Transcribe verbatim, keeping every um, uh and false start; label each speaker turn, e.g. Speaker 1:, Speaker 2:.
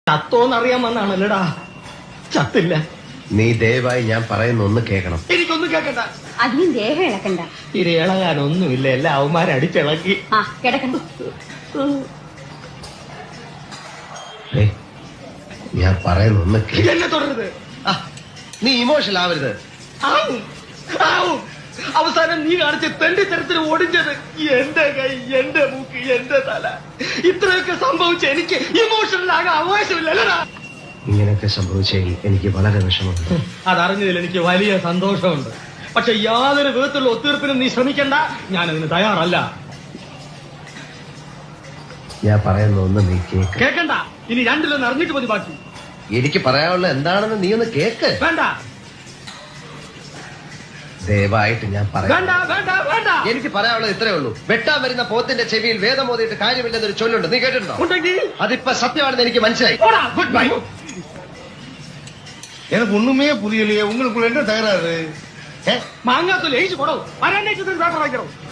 Speaker 1: ചത്തോന്നറിയാൻ വന്നാണല്ലടാ. ചത്തില്ല.
Speaker 2: നീ ദയവായി ഞാൻ പറയുന്ന ഒന്ന് കേൾക്കണം.
Speaker 1: എനിക്കൊന്നും കേൾക്കണ്ട.
Speaker 3: അധികം ദേഹം ഇളക്കണ്ട.
Speaker 1: ഇത് ഇളകാനൊന്നുമില്ല. എല്ലാ അവന്മാരെ അടിച്ചിളക്കി.
Speaker 3: ആ കിടക്കണ്ട.
Speaker 2: ഞാൻ പറയുന്ന ഒന്ന് കേൾക്ക.
Speaker 1: എന്നെ തുടരുത്.
Speaker 2: നീ ഇമോഷണൽ ആവരുത്.
Speaker 1: ആവും ആവും. അവസാനം നീ കാണിച്ച തെണ്ടിത്തരത്തിൽ ഓടിച്ചത് എന്റെ കൈ, എന്റെ മൂക്ക്, എന്റെ തല. ഇത്രയൊക്കെ സംഭവിച്ച എനിക്ക് ഇമോഷണൽ ആകാൻ അവകാശമില്ലല്ലടാ.
Speaker 2: ഇങ്ങനെയൊക്കെ സംഭവിച്ചതിൽ എനിക്ക് വളരെ വിഷമമുണ്ട്.
Speaker 1: അതറിഞ്ഞതിൽ എനിക്ക് വലിയ സന്തോഷമുണ്ട്. പക്ഷെ യാതൊരു വിധത്തിലുള്ള ഒത്തീർപ്പിനും നീ ശ്രമിക്കണ്ട. ഞാനതിന് തയ്യാറല്ല.
Speaker 2: ഞാൻ പറയുന്ന ഒന്ന് നീ കേക്ക്.
Speaker 1: കേൾക്കണ്ട. ഇനി രണ്ടിലൊന്ന് അറിഞ്ഞിട്ട് മതി ബാക്കി.
Speaker 2: എനിക്ക് പറയാനുള്ള എന്താണെന്ന് നീ ഒന്ന് കേക്ക്.
Speaker 1: വേണ്ട
Speaker 2: ദയവായിട്ട് ഞാൻ പറയാം.
Speaker 1: വേണ്ട വേണ്ട വേണ്ട.
Speaker 2: എനിക്ക് പറയാനുള്ളത് ഇത്രേ ഉള്ളൂ. വെട്ടാൻ വരുന്ന പോത്തിന്റെ ചെവിയിൽ വേദം ഓതിയിട്ട് കാര്യമില്ലെന്നൊരു ചൊല്ലുണ്ട്. നീ കേട്ടിട്ടുണ്ടോ?
Speaker 1: ഉണ്ടെങ്കിൽ
Speaker 2: അതിപ്പോ സത്യമാണെന്ന് എനിക്ക് മനസ്സിലായി.
Speaker 1: Good bye.
Speaker 4: எனக்கு ஒண்ணுமே புரியலையே. உங்களுக்குள்ள என்ன தகராறு?
Speaker 1: മാങ്ങാത്തൊലി എഴുതി പോടോ. വരാനേറ്റത്തിന് പേപ്പർ വായിക്കണോ?